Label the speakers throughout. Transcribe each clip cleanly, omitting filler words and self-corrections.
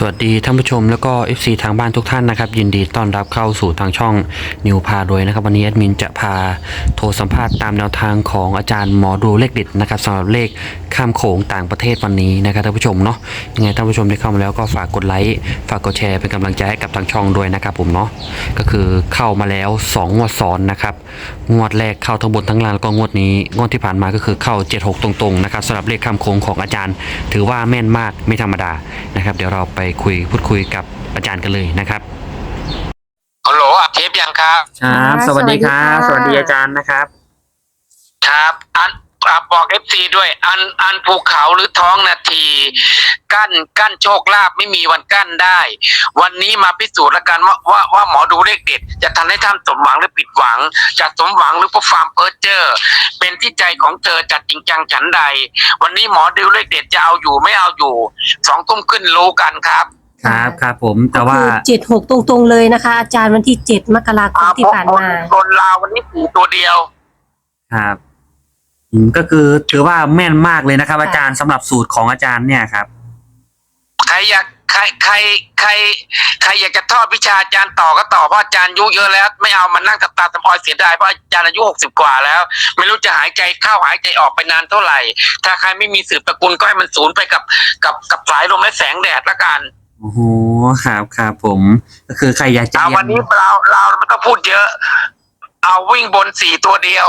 Speaker 1: สวัสดีท่านผู้ชมแล้วก็ FC ทางบ้านทุกท่านนะครับยินดีต้อนรับเข้าสู่ทางช่องนิวพารวยนะครับวันนี้แอดมินจะพาโทรสัมภาษณ์ตามแนวทางของอาจารย์หมอดูเลขเด็ดนะครับสำหรับเลขข้ามโขงต่างประเทศวันนี้นะครับท่านผู้ชมเนาะยังไงท่านผู้ชมที่เข้ามาแล้วก็ฝากกดไลค์ฝากกดแชร์เป็นกำลังใจให้กับทางช่องด้วยนะครับผมเนาะก็คือเข้ามาแล้ว2งวดซ้อนนะครับงวดแรกเข้าทั้งบนทั้งล่างแล้วก็งวดนี้งวดที่ผ่านมาก็คือเข้า76ตรงๆนะครับสำหรับเลขข้ามโขงของอาจารย์ถือว่าแม่นมากไม่ธรรมดานะครับเดี๋ยวเราไปพูดคุยกับอาจารย์กันเลยนะครับ
Speaker 2: ฮัลโหลอัดเทปยังครับ
Speaker 1: ครับสวัสดีครับสวัสดีอาจารย์นะครับ
Speaker 2: ครับบอกFCด้วยอันภูเขาหรือท้องนาทีกั้นโชคลาภไม่มีวันกั้นได้ วันนี้มาพิสูจน์แล้วกันว่าหมอดูเลขเด็ดจะทำให้ท่านสมหวังหรือผิดหวังจะสมหวังหรือเพราะความเพ้อเจ้อเป็นที่ใจของเธอจัดจริงจังฉันใดวันนี้หมอดูเลขเด็ดจะเอาอยู่ไม่เอาอยู่2 ทุ่มขึ้นรู้กันครับ
Speaker 1: ครับผมแต่ว่า
Speaker 3: 76ตรงๆเลยนะคะอาจารย์วันที่7 มกราคมที่ผ่านมา
Speaker 2: บนลาววันนี้4 ตัวเดียว
Speaker 1: ครับก็คือถือว่าแม่นมากเลยนะครับอาจารย์สำหรับสูตรของอาจารย์เนี่ยครับ
Speaker 2: ใครอยากจะทอดวิชาอาจารย์ต่อก็ต่อเพราะอาจารย์อายุเยอะแล้วไม่เอามันนั่งตาตะพอยเสียดายเพราะอาจารย์อายุ60 กว่าแล้วไม่รู้จะหายใจเข้าหายใจออกไปนานเท่าไหร่ถ้าใครไม่มีสืบตระกูลก็ให้มันสูญไปกับสายลมและแสงแดดละกัน
Speaker 1: โอ้โหครับผมก็คือใครอยากจะ
Speaker 2: วันนี้เราไม่ต้องพูดเยอะเอาวิ่งบน4 ตัวเดียว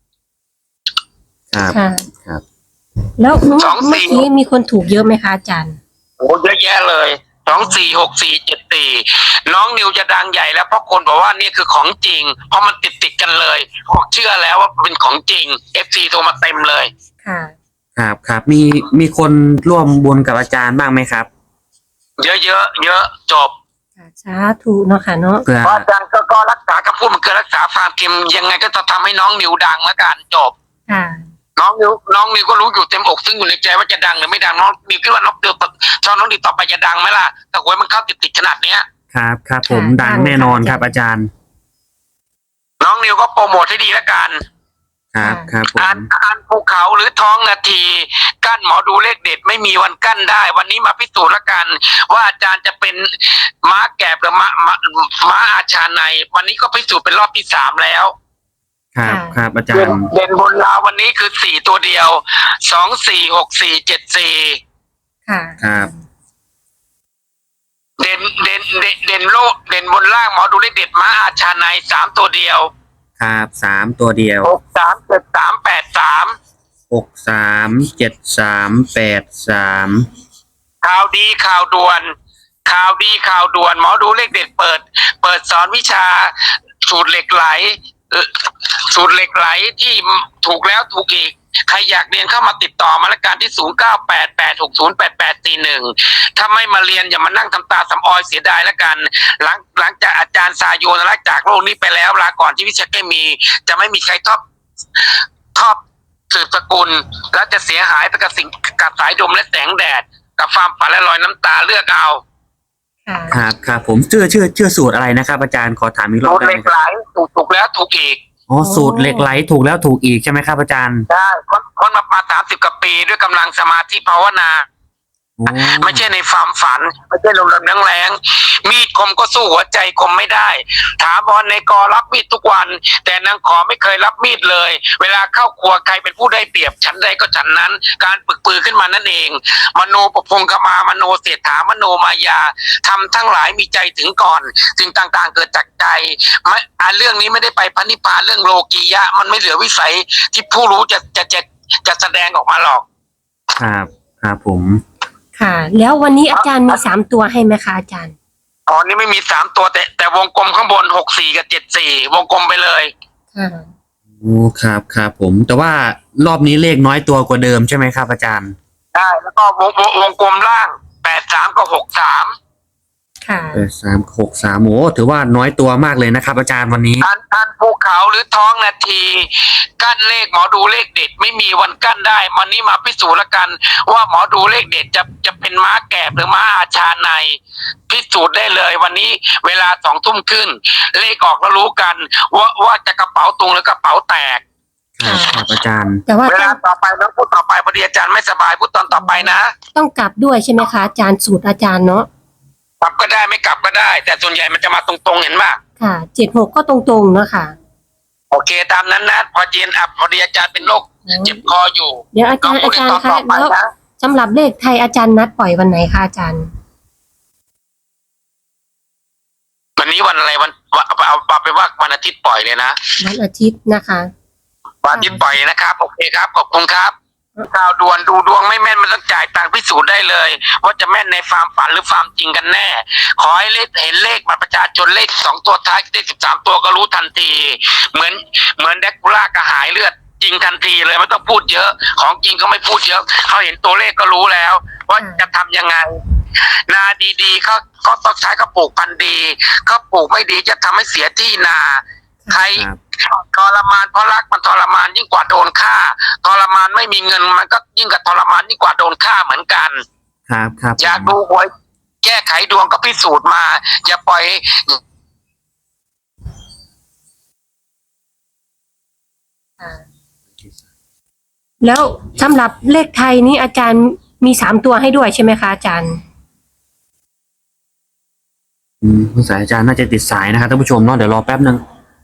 Speaker 1: ครับ
Speaker 3: แล้วเมื่อกี้มีคนถูกเยอะไหมคะอาจารย์
Speaker 2: โอ้เยอะแยะเลย246474น้องนิวจะดังใหญ่แล้วเพราะคนบอกว่านี่คือของจริงเพราะมันติดกันเลยบอกเชื่อแล้วว่าเป็นของจริง FC โทรมาเต็มเลย
Speaker 1: ครับมีคนร่วมบุญกับอาจารย์บ้างไหมครับ
Speaker 2: เยอะจบ
Speaker 3: สาธุเนาะค่ะเนาะ
Speaker 2: เพราะอาจารย์ก็รักษาคำพูดมันคือรักษาความเค็มยังไงก็จะทำให้น้องนิวดังแล้วกันจบน้องนิวก็รู้อยู่เต็มอกซึ่งอยู่ในใจว่าจะดังหรือไม่ดังน้องนิวคิดว่าน้องนิวชอบน้องนิวต่อไปจะดังไหมล่ะแต่หวยมันเข้าติดขนาดเนี้ย
Speaker 1: ครับผมดังแน่นอนครับอาจารย์
Speaker 2: น้องนิวก็โปรโมทให้ดีแล้วกัน
Speaker 1: ครับผม
Speaker 2: อันภูเขาหรือท้องนาทีกั้นหมอดูเลขเด็ดไม่มีวันกั้นได้วันนี้มาพิสูจน์แล้วกันว่าอาจารย์จะเป็นม้าแกบหรือม้าอาชาในวันนี้ก็พิสูจน์เป็นรอบที่3แล้ว
Speaker 1: ครับอาจารย์
Speaker 2: เด่นบนลาววันนี้คือ4 ตัวเดียว246474
Speaker 1: ครับ
Speaker 2: เด่นบนล่างหมอดูเลขเด็ดม้าอาชาใน3 ตัวเดียว
Speaker 1: ครับ3 ตัวเดียว
Speaker 2: 637383ข่าวดีข่าวด่วนหมอดูเลขเด็ดเปิดสอนวิชาสูตรเหล็กไหลที่ถูกแล้วถูกอีกใครอยากเรียนเข้ามาติดต่อมาละกันที่0988608841ถ้าไม่มาเรียนอย่ามานั่งทำตาสำออยเสียดายละกันหลังจากอาจารย์ซาโยนลาจากโลกนี้ไปแล้วลาก่อนที่วิชาเคมีจะไม่มีใครทอบสืบสกุลและจะเสียหายไปกับกับสายลมและแสงแดดกับความฝันและรอยน้ำตาเลือกเอา
Speaker 1: ครับผมเชื่อสูตรอะไรนะครับอาจารย์ขอถามอีกรอบได้ไหม
Speaker 2: เหล็กไหลถูกแล้วถูกอีก
Speaker 1: สูตรเหล็กไหลถูกแล้วถูกอีกใช่ไหมครับอาจารย์
Speaker 2: ใช่คนมา30 กว่าปีด้วยกำลังสมาธิภาวนาไม่ใช่ในความฝันไม่ใช่ลมแรงมีดคมก็สู้หัวใจคมไม่ได้ถามบอลในกอรับมีดทุกวันแต่นางขอไม่เคยรับมีดเลยเวลาเข้าครัวใครเป็นผู้ได้เปรียบฉันใดก็ฉันนั้นการปึกปือขึ้นมานั่นเองมโนปพงกมามโนเสถามโนมายาทำทั้งหลายมีใจถึงก่อนสิ่งต่างๆเกิดจากใจเรื่องนี้ไม่ได้ไปพระนิพพานเรื่องโลกียะมันไม่เหลือวิสัยที่ผู้รู้จะแสดงออกมาหรอก
Speaker 1: ครับผม
Speaker 3: ค่ะแล้ววันนี้อาจารย์มี3 ตัวให้ไหมคะอาจารย์
Speaker 2: นี่ไม่มี3 ตัวแต่วงกลมข้างบน64กับ74วงกลมไปเลย
Speaker 1: ครับผมแต่ว่ารอบนี้เลขน้อยตัวกว่าเดิมใช่ไหมครับอาจารย์
Speaker 2: ใช่แล้วก็วงกลมล่าง83กับ63
Speaker 3: ค่ะ
Speaker 1: 8363โอ้ถือว่าน้อยตัวมากเลยนะครับอาจารย์วันนี้
Speaker 2: อันภูเขาหรือท้องนาทีกั้นเลขหมอดูเลขเด็ดไม่มีวันกั้นได้วันนี้มาพิสูจน์แล้วกันว่าหมอดูเลขเด็ดจะเป็นม้าแกบหรือม้าอาชาในพิสูจน์ได้เลยวันนี้เวลา2 ทุ่มขึ้นเลขออกแล้วรู้กันว่าจะกระเป๋าตุงหรือกระเป๋าแตก
Speaker 1: ครับอาจารย์
Speaker 3: แต่ว่า
Speaker 2: เวลาต่อไปน้องพูดต่อไปพอดีอาจารย์ไม่สบายพูดตอนต่อไปนะ
Speaker 3: ต้องกลับด้วยใช่ไหมคะอาจารย์สูตรอาจารย์เนาะ
Speaker 2: กลับก็ได้ไม่กลับก็ได้ แต่ส่วนใหญ่มันจะมาตรงๆเห็นป่ะ
Speaker 3: ค่ะ76ก็ตรงๆเนาะค่ะ
Speaker 2: โอเคตามนั้นนะพอจีนอับพอดีอาจารย์เป็นโรคเจ็บคออยู่
Speaker 3: เดี๋ยวอาจารย์
Speaker 2: ก็พูดในตอน
Speaker 3: คะ
Speaker 2: ต่อไป
Speaker 3: แล้ว
Speaker 2: นะ
Speaker 3: สำหรับเลขไทยอาจารย์นัดปล่อยวันไหนคะอาจารย์
Speaker 2: วันนี้วันอะไรเอาไปว่าวันอาทิตย์ปล่อยเลยนะ
Speaker 3: วันอาทิตย์นะคะ
Speaker 2: วันอาทิตย์ปล่อยนะครับโอเคครับขอบคุณครับข่าวด่วนดูดวงไม่แม่นมันต้องจ่ายตังค์พิสูจน์ได้เลยว่าจะแม่นในฟาร์มฝันหรือฟาร์มจริงกันแน่ ขอให้เห็นเลขบัตรประชาชนเลข2 ตัวท้ายเลข13 ตัวก็รู้ทันที เหมือนแดกคูล่ากระหายเลือดจริงทันทีเลยไม่ต้องพูดเยอะ ของจริงก็ไม่พูดเยอะเขาเห็นตัวเลขก็รู้แล้ว ว่าจะทำยังไง นาดีๆเขาต้องใช้เขาปลูกพันธุ์ดีเขาปลูกไม่ดีจะทำให้เสียที่นา ใคร
Speaker 1: ครับ
Speaker 2: ทรมานเพราะรักมันทรมานยิ่งกว่าโดนฆ่าทรมานไม่มีเงินมันก็ยิ่งกับทรมานยิ่งกว่าโดนฆ่าเหมือนกัน
Speaker 1: ครับครับ
Speaker 2: อยากดูหวยแก้ไขดวงก็พิสูจน์มาอย่าปล่อย
Speaker 3: แล้วสำหรับเลขไทยนี้อาจารย์มี3ตัวให้ด้วยใช่ไหมคะอาจารย์
Speaker 1: คุณสายอาจารย์น่าจะติดสายนะครับท่านผู้ชมเนาะเดี๋ยวรอแป๊บนึง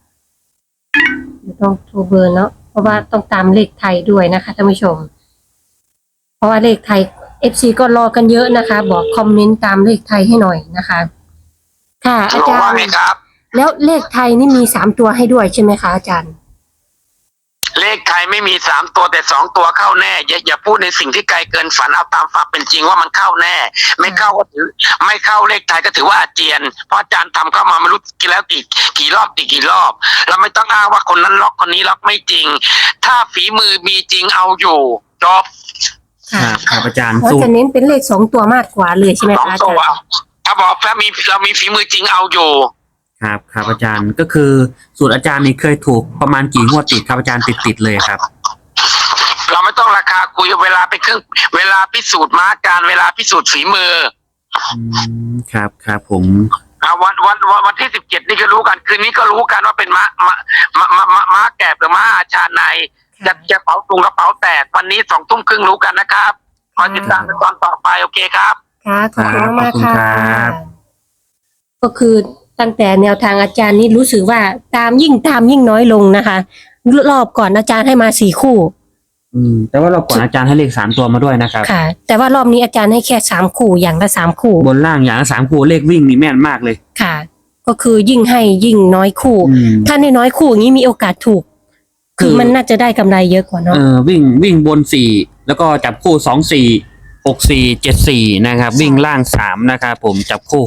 Speaker 3: ต้องโทรเบอร์เนาะเพราะว่าต้องตามเลขไทยด้วยนะคะท่านผู้ชม เพราะว่าเลขไทย FC ก็รอกันเยอะนะคะ บอกคอมเมนต์ตามเลขไทยให้หน่อยนะคะ ค่ะอาจาร
Speaker 2: ว่า
Speaker 3: ย์
Speaker 2: ไงครับ
Speaker 3: แล้วเลขไทยนี่มี3ตัวให้ด้วยใช่ไหมคะอาจารย์
Speaker 2: เลขไทยไม่มี3 ตัวแต่2 ตัวเข้าแน่อย่าพูดในสิ่งที่ไกลเกินฝันเอาตามฝันเป็นจริงว่ามันเข้าแน่ ไม่เข้าก็ถือไม่เข้าเลขไทยก็ถือว่าอาเจียนเพราะอาจารย์ทำเข้ามาไม่รู้กี่แล้วกี่รอบกี่รอบเราไม่ต้องอ้างว่าคนนั้นล็อกคนนี้ล็อกไม่จริง ถ้าฝีมือมีจริงเอาอยู่จบ
Speaker 1: ครับครับอาจารย์
Speaker 3: เพราะ
Speaker 1: สูต
Speaker 3: จะ
Speaker 1: ร
Speaker 3: เน้นเป็นเลข2ตัวมากกว่าเลยใช่ไหม
Speaker 2: สอง
Speaker 3: คะอา
Speaker 2: ตั
Speaker 3: จาร
Speaker 2: ว
Speaker 3: ย์
Speaker 2: ถ้าบอกเรามีฝีมือจริงเอาอยู่
Speaker 1: ครับครับอาจารย์ก็คือสูตรอาจารย์นี่เคยถูกประมาณกี่งวดติดครับอาจารย์ติดเลยครับ
Speaker 2: เราไม่ต้องราคาคุยเวลาเป็นเวลาพิสูจน์ม้าการเวลาพิสูจน์ฝีมือ
Speaker 1: ครับครับผม
Speaker 2: วันที่17นี่ก็รู้กันคืนนี้ก็รู้กันว่าเป็นม้าแกะหรือม้าอาชาในจะเป๋าตุงกระเป๋าแตกวันนี้20:30รู้กันนะครับคอยติดตามในตอนต่อไปโอเคครับ
Speaker 3: ค่ะขอบคุณมาก
Speaker 1: ขอบคุณ
Speaker 3: ค่ะ
Speaker 1: ครับ
Speaker 3: ก็คือตั้งแต่แนวทางอาจารย์นี่รู้สึกว่าตามยิ่งน้อยลงนะคะ รอบก่อนอาจารย์ให้มา4 คู่
Speaker 1: แต่ว่าเราก่อนอาจารย์ให้เลข3 ตัวมาด้วยนะครับ
Speaker 3: ค่ะ แต่ว่ารอบนี้อาจารย์ให้แค่3 คู่อย่างละ3 คู่
Speaker 1: บนล่างอย่างละ3 คู่เลขวิ่งนี่แม่นมากเลย
Speaker 3: ค่ะ ก็คือยิ่งให้ยิ่งน้อยคู่ ถ้าในน้อยคู่อย่างนี้มีโอกาสถูก คือมันน่าจะได้กำไรเยอะกว่าเนาะ
Speaker 1: วิ่งบน4แล้วก็จับคู่2 4 6 4 7 4นะครับวิ่งล่าง3นะครับผมจับคู่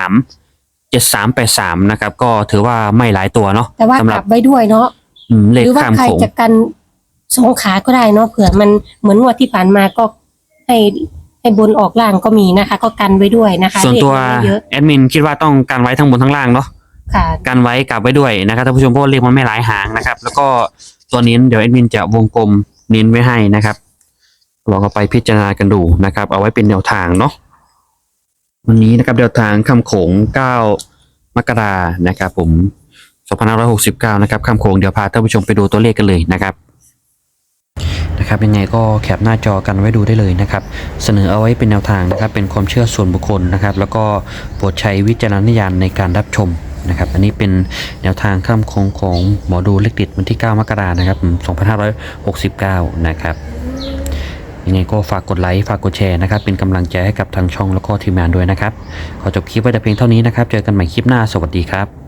Speaker 1: 6 3 7 3 8 3นะครับก็ถือว่าไม่หลายตัวเนาะ
Speaker 3: แต่ว่า
Speaker 1: สำห
Speaker 3: ก
Speaker 1: รั
Speaker 3: ลั
Speaker 1: บบ
Speaker 3: ไว้ด้วยเนาะ
Speaker 1: เล
Speaker 3: ห
Speaker 1: ข
Speaker 3: รือว่า
Speaker 1: ข้าม
Speaker 3: ใคร
Speaker 1: โขง
Speaker 3: จะกัน2 ขาก็ได้เนาะเผื่อมันเหมือนงวดที่ผ่านมาก็ให้บนออกล่างก็มีนะคะ ก็กันไว้ด้วยนะคะ
Speaker 1: ส่วนตัว
Speaker 3: เลขมันไม่เยอะ
Speaker 1: แอดมินคิดว่าต้องการไว้ทั้งบนทั้งล่างเนาะ
Speaker 3: ค่ะ
Speaker 1: กันไว้กลับไว้ด้วยนะครับท่านผู้ชมเพราะว่าเลขมันไม่หลายหางนะครับ แล้วก็ตัวนี้เดี๋ยวแอดมินจะวงกลมเน้นไว้ให้นะครับลองเอาไปพิจารณากันดูนะครับ เอาไว้เป็นแนวทางเนาะวันนี้นะครับแนวทางคำโขง9 มกรานะครับผม2569นะครับคำโขงเดี๋ยวพาท่านผู้ชมไปดูตัวเลขกันเลยนะครับยังไงก็แคปหน้าจอกันไว้ดูได้เลยนะครับเสนอเอาไว้เป็นแนวทางนะครับเป็นความเชื่อส่วนบุคคลนะครับแล้วก็โปรดใช้วิจารณญาณในการรับชมนะครับอันนี้เป็นแนวทางข้ามโค้งของหมอดูเลขเด็ดวันที่9 มกราคมนะครับ2569นะครับยังไงก็ฝากกดไลค์ฝากกดแชร์นะครับเป็นกำลังใจให้กับทางช่องแล้วก็ทีมงานด้วยนะครับขอจบคลิปไว้แต่เพียงเท่านี้นะครับเจอกันใหม่คลิปหน้าสวัสดีครับ